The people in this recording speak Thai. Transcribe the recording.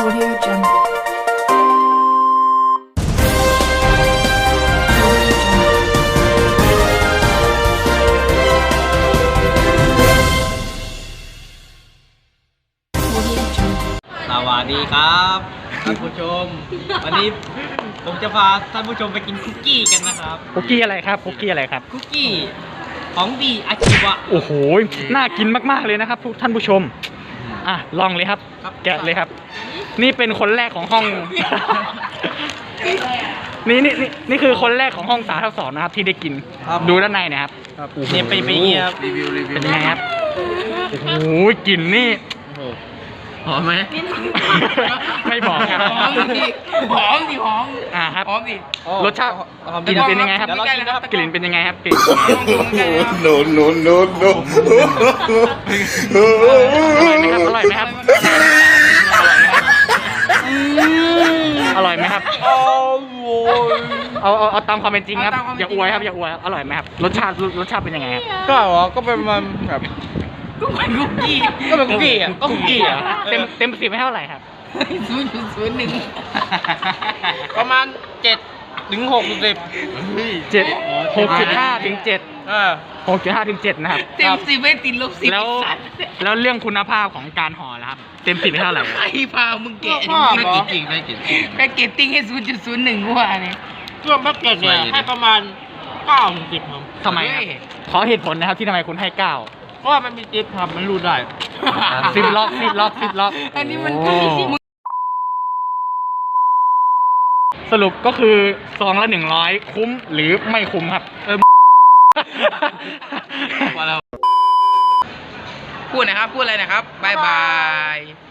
Audio Jungle. Audio Jungle. สวัสดีครับท่านผู้ชม วันนี้ผมจะพาท่านผู้ชมไปกินคุกกี้กันนะครับคุกกี้อะไรครับคุกกี้อะไรครับคุกกี้ของดีอาชีวะโอ้โหน่ากินมากๆเลยนะครับท่านผู้ชมอ่ะลองเลยครับ แกะเลยครับ นี่เป็นคนแรกของห้อง นี่คือคนแรกของห้องสาธารณสุขนะครับที่ได้กินดูด้านในนะครับเนี่ยไปเงียบเป็นยังไงครับโอ้โหกลิ่นนี่หอมไหมไม่บอกครับหอมดิหอมดิหอมครับหอมดิรสชาติกลิ่นเป็นยังไงครับเดี๋ยวเรากินนะครับกลิ่นเป็นยังไงครับกลิ่น No, no, no, no. อร่อยไหมครับอร่อยไหมครับเอาตามความเป็นจริงครับอย่าอวยครับอย่าอวยครับอร่อยไหมครับรสชาติเป็นยังไงครับก็เป็นมันแบบก็เป็นคุกกี้ก็เป็นคุกกี้อ่ะก็คุกกี้อ่ะเต็ม10ให้เท่าไหร่ครับ 0.01ประมาณ7 ถึง 60 6.5 ถึง 6.5 ถึง 7นะครับเต็ม10ไม่ติดลบ10 แล้วเรื่องคุณภาพของการห่อแล้วครับเต็ม10ให้เท่าไหร่ใครพามึงแกะไม่กินจริงไม่กินจริงแพ็กเกจติ้งให้ 0.01กูว่าเนี่ยช่วงแพ็กเกจเนี่ยให้ประมาณ9 ถึง 10ครับทำไมครับขอเหตุผลนะครับที่ทำไมคุณให้ 9 เพราะว่ามันมีจิ๊บครับมันรูดได้ 10 ล็อกอันนี้มันโอ้สรุปก็คือซองละ100คุ้มหรือไม่คุ้มครับพูดนะครับ พูดอะไรนะครับบายบาย